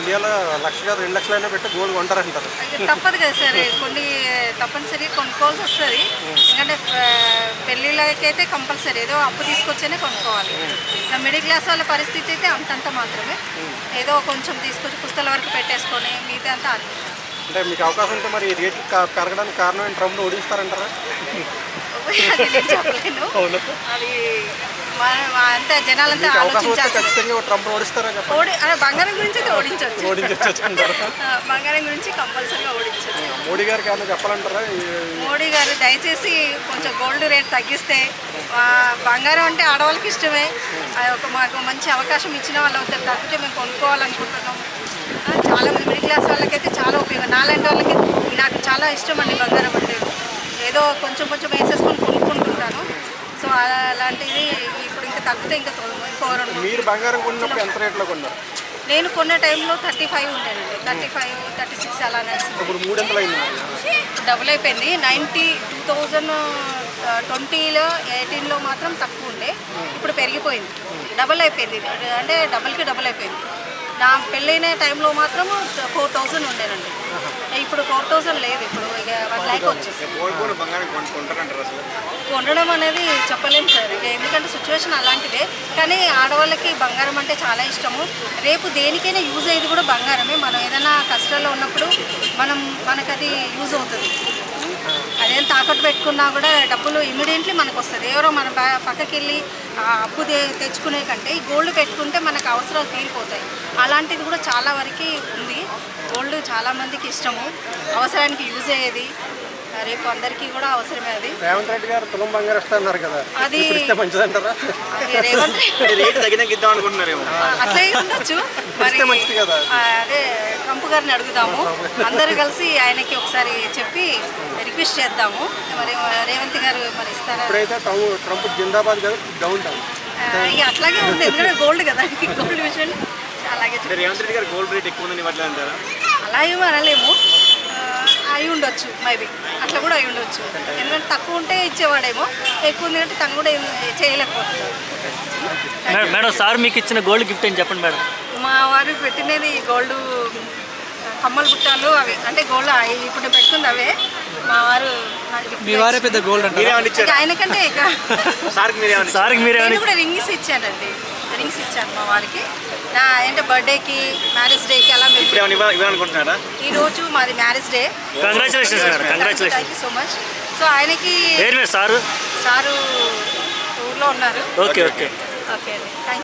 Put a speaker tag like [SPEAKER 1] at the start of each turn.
[SPEAKER 1] ఇండియాలో 1,00,000 కాదు 2,00,000 పెట్టి గోల్డ్ కొంటారంటారు.
[SPEAKER 2] తప్పదు కదా సార్, కొన్ని తప్పనిసరి కొనుక్కోవాల్సి వస్తుంది. ఎందుకంటే పెళ్ళిళ్ళకైతే కంపల్సరీ ఏదో అప్పు తీసుకొచ్చేనే కొనుక్కోవాలి. ఇంకా మిడిల్ క్లాస్ వాళ్ళ పరిస్థితి అయితే అంతంత మాత్రమే, ఏదో కొంచెం తీసుకొచ్చి పుస్తకాల వరకు పెట్టేసుకొని మిగతా అంతా
[SPEAKER 1] అంటే మీకు అవకాశం ఉంటే మరి రేట్లు పెరగడానికి కారణం ట్రంప్ను ఓడిస్తారంటారా?
[SPEAKER 2] అది నేను చెప్పలేను. అది అంతా జనాలంతా ఆలోచించాలి.
[SPEAKER 1] ఖచ్చితంగా ట్రంప్ ఓడిస్తారా?
[SPEAKER 2] బంగారం గురించి అయితే ఓడించవచ్చు అంటారు. బంగారం గురించి కంపల్సరీగా ఓడించవచ్చు.
[SPEAKER 1] మోడీ గారికి ఏమైనా చెప్పాలంటారా?
[SPEAKER 2] మోడీ గారు దయచేసి కొంచెం గోల్డ్ రేట్ తగ్గిస్తే, బంగారం అంటే ఆడవాళ్ళకి ఇష్టమే, మాకు మంచి అవకాశం ఇచ్చిన వాళ్ళు అవుతారు. తగ్గితే మేము కొనుక్కోవాలనుకుంటున్నాము. చాలామంది మిడిల్ క్లాస్ వాళ్ళకైతే చాలా ఉపయోగం. నాలాంటి వాళ్ళకి నాకు చాలా ఇష్టం అండి బంగారం అంటే. ఏదో కొంచెం కొంచెం వేసేసుకొని కొనుక్కుంటుంటాను. సో అలాంటిది ఇప్పుడు ఇంకా తగ్గితే ఇంకా
[SPEAKER 1] మీరు బంగారం కొన్నప్పుడు ఎంత రేట్లో కొన్నారు?
[SPEAKER 2] నేను కొన్న టైంలో 35 ఉండేనండి. 35, 36 అలానే.
[SPEAKER 1] ఇప్పుడు 300 అయింది,
[SPEAKER 2] డబుల్ అయిపోయింది. 2020లో 18లో మాత్రం తక్కువ ఉండే, ఇప్పుడు పెరిగిపోయింది, డబుల్ అయిపోయింది. అంటే డబుల్కి డబుల్ అయిపోయింది. నా పెళ్ళైన టైంలో మాత్రం 4,000 ఉండేనండి. ఇప్పుడు 4,000 లేదు, ఇప్పుడు ఇక 1 lakh వచ్చేసి. కొనడం అనేది చెప్పలేము సార్, ఎందుకంటే సిచ్యువేషన్ అలాంటిదే. కానీ ఆడవాళ్ళకి బంగారం అంటే చాలా ఇష్టము. రేపు దేనికైనా యూజ్ అయ్యేది కూడా బంగారమే. మనం ఏదైనా కష్టాల్లో ఉన్నప్పుడు మనకు అది యూజ్ అవుతుంది. అదేం తాకట్టు పెట్టుకున్నా కూడా డబ్బులు ఇమీడియట్లీ మనకు వస్తుంది. ఎవరో మన పక్కకి వెళ్ళి అప్పు తెచ్చుకునే కంటే ఈ గోల్డ్ పెట్టుకుంటే మనకు అవసరాలు తీరిపోతాయి. అలాంటిది కూడా చాలా వరకు ఉంది. గోల్డ్ చాలామందికి ఇష్టము, అవసరానికి యూజ్ అయ్యేది. రేపు అందరికీ కూడా అవసరమే. అది
[SPEAKER 1] రేవంత్ రెడ్డి గారు తులం బంగారం ఇస్తున్నారు కదా,
[SPEAKER 2] అది
[SPEAKER 1] మంచిదంటారా?
[SPEAKER 2] రేవంత్ అట్లే ఉండొచ్చు మరి. అదే ట్రంప్ గారిని అడుగుదాము, అందరూ కలిసి ఆయనకి ఒకసారి చెప్పి రిక్వెస్ట్ చేద్దాము. మరి రేవంత్ గారు మరి ఇస్తారా?
[SPEAKER 1] ట్రంప్ జిందాబాద్ కదా, డౌన్ డౌన్
[SPEAKER 2] ఇక అట్లాగే ఉంది, ఎందుకంటే గోల్డ్ కదా, గోల్డ్ విషయం అలాగే.
[SPEAKER 1] రేవంత్ రెడ్డి గారు గోల్డ్ రేట్ ఎక్కువ ఉందని అంటారా?
[SPEAKER 2] అలా ఏమో అనలేము, అయి ఉండొచ్చు, మేబీ అట్లా కూడా అయి ఉండొచ్చు. ఎందుకంటే తక్కువ ఉంటే ఇచ్చేవాడేమో, ఎక్కువ ఉంది అంటే తను కూడా చేయలేకపోతున్నాడు.
[SPEAKER 3] మేడం, సార్ మీకు ఇచ్చిన గోల్డ్ గిఫ్ట్ అని చెప్పండి మేడం.
[SPEAKER 2] మా వారు పెట్టినది గోల్డ్ కమ్మల బుట్టాలు, అవి అంటే గోల్డ్ ఇప్పుడు పెట్టుకుంది అవే. మా వారు
[SPEAKER 3] పెద్ద గోల్డ్
[SPEAKER 2] ఆయనకంటే నేను కూడా రింగ్స్ ఇచ్చానండి, రింగ్స్ ఇచ్చాను మా వారికి. అంటే బర్త్డేకి, మ్యారేజ్ డేకి అలా. ఈ రోజు మాది marriage day. Thank you so much. So ఆయనకి సారు ఊర్లో ఉన్నారు.
[SPEAKER 3] ఓకే ఓకే
[SPEAKER 2] ఓకే అండి, థ్యాంక్ యూ.